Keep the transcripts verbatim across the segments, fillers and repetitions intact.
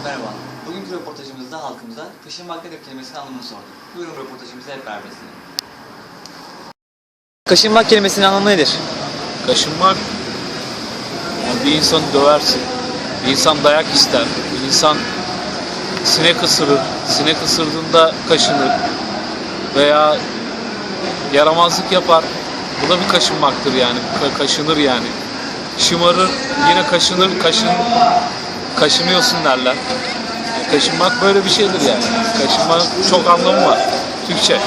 Merhaba. Bugünkü röportajımızda halkımıza kaşınmak nedir kelimesinin anlamını sorduk. Buyurun röportajımıza hep beraber izleyelim. Kaşınmak kelimesinin anlamı nedir? Kaşınmak, yani bir insanı döversin, bir insan dayak ister, bir insan sinek ısırır, sinek ısırdığında kaşınır veya yaramazlık yapar. Bu da bir kaşınmaktır yani, Ka- kaşınır yani. Şımarır, yine kaşınır, kaşın, kaşınıyorsun derler. Kaşınmak böyle bir şeydir yani. Kaşınmak çok anlamı var, Türkçe.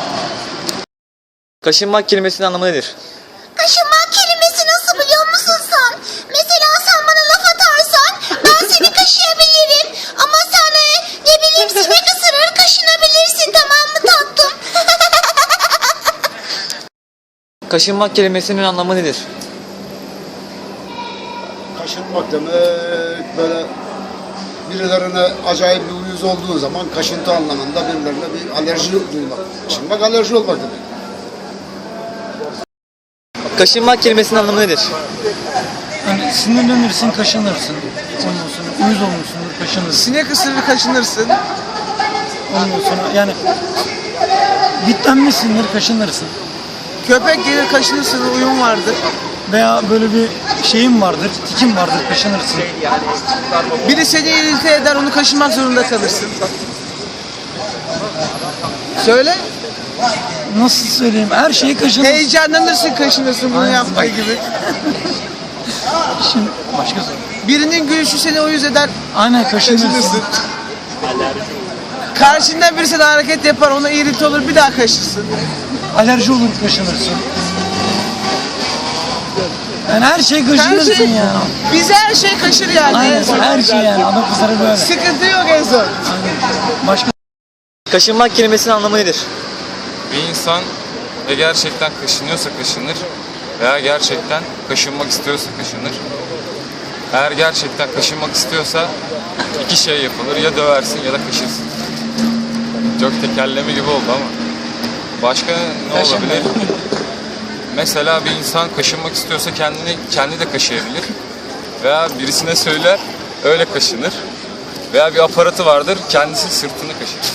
Kaşınmak kelimesinin anlamı nedir? Kaşınmak kelimesi nasıl biliyor musun sen? Mesela sen bana laf atarsan ben seni kaşıyabilirim. Ama sen e, ne bileyim sinek ısırır kaşınabilirsin, tamam mı tatlım? Kaşınmak kelimesinin anlamı nedir? Kaşınmak demek böyle birilerine acayip bir uyuz olduğu zaman kaşıntı anlamında birilerine bir alerji duymak. Kaşınmak alerji olmak demek. Kaşınmak kelimesinin anlamı nedir? Hani sinirlenirsin, kaşınırsın. Ondan sonra uyuz olmuşsundur, kaşınırsın. Sinek ısırır kaşınırsın. Ondan sonra yani bitlenmişsindir, kaşınırsın. Köpek gelir kaşınırsın, uyum vardır. Veya böyle bir şeyin vardır, tikin vardır, kaşınırsın. Biri seni irite eder, onu kaşınmak zorunda kalırsın. Söyle. Nasıl söyleyeyim? Her şeyi kaşınırsın. Heyecanlanırsın, kaşınırsın bunu Aynen. yaptığı gibi. Şimdi başka soru. Birinin gülüşü seni uyuz eder. Aynen kaşınırsın. Kaşınırsın. Karşından birisi de hareket yapar, ona irite olur, bir daha kaşırsın. Alerji olur, kaşınırsın. Yani her şey Her kaşınırsın şey, yani. bize her şey kaşır yani. Aynen en son. her şey yani. Adam kızları böyle. Sıkıntı yok en son. Aynen. Başka Kaşınmak kelimesinin anlamı nedir? Bir insan ya gerçekten kaşınıyorsa kaşınır veya gerçekten kaşınmak istiyorsa kaşınır. Eğer gerçekten kaşınmak istiyorsa iki şey yapılır. Ya döversin ya da kaşırsın. Çok tekerleme gibi oldu ama. Başka ne olabilir? Mesela bir insan kaşınmak istiyorsa kendini kendi de kaşıyabilir. Veya birisine söyler, öyle kaşınır. Veya bir aparatı vardır, kendisi sırtını kaşır.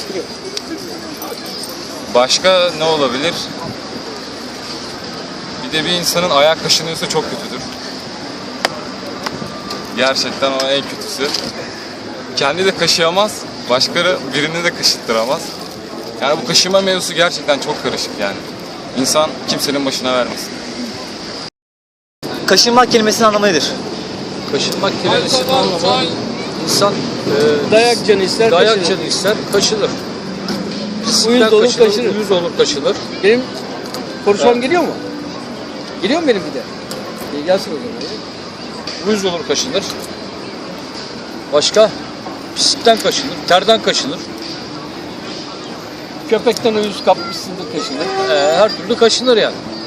Başka ne olabilir? Bir de bir insanın ayağı kaşınıyorsa çok kötüdür. Gerçekten o en kötüsü. Kendi de kaşıyamaz, başkaları birini de kaşıttıramaz. Yani bu kaşıma mevzusu gerçekten çok karışık yani. İnsan kimsenin başına vermesin. Kaşınmak kelimesinin anlamı nedir? Kaşınmak kelimesinin anlamı insan e, Dayak canı ister, dayak kaşınır. canı ister, kaşınır. Uyuz olur, kaşınır. Uyuz olur, kaşınır. Benim konuşmam geliyor mu? Geliyor mu benim bir de? İyi gelsin o zaman. Uyuz olur, kaşınır. Başka? Pislikten kaşınır, terden kaşınır. Köpekten uyuz kapmışsındır, kaşınır. E, her türlü kaşınır yani.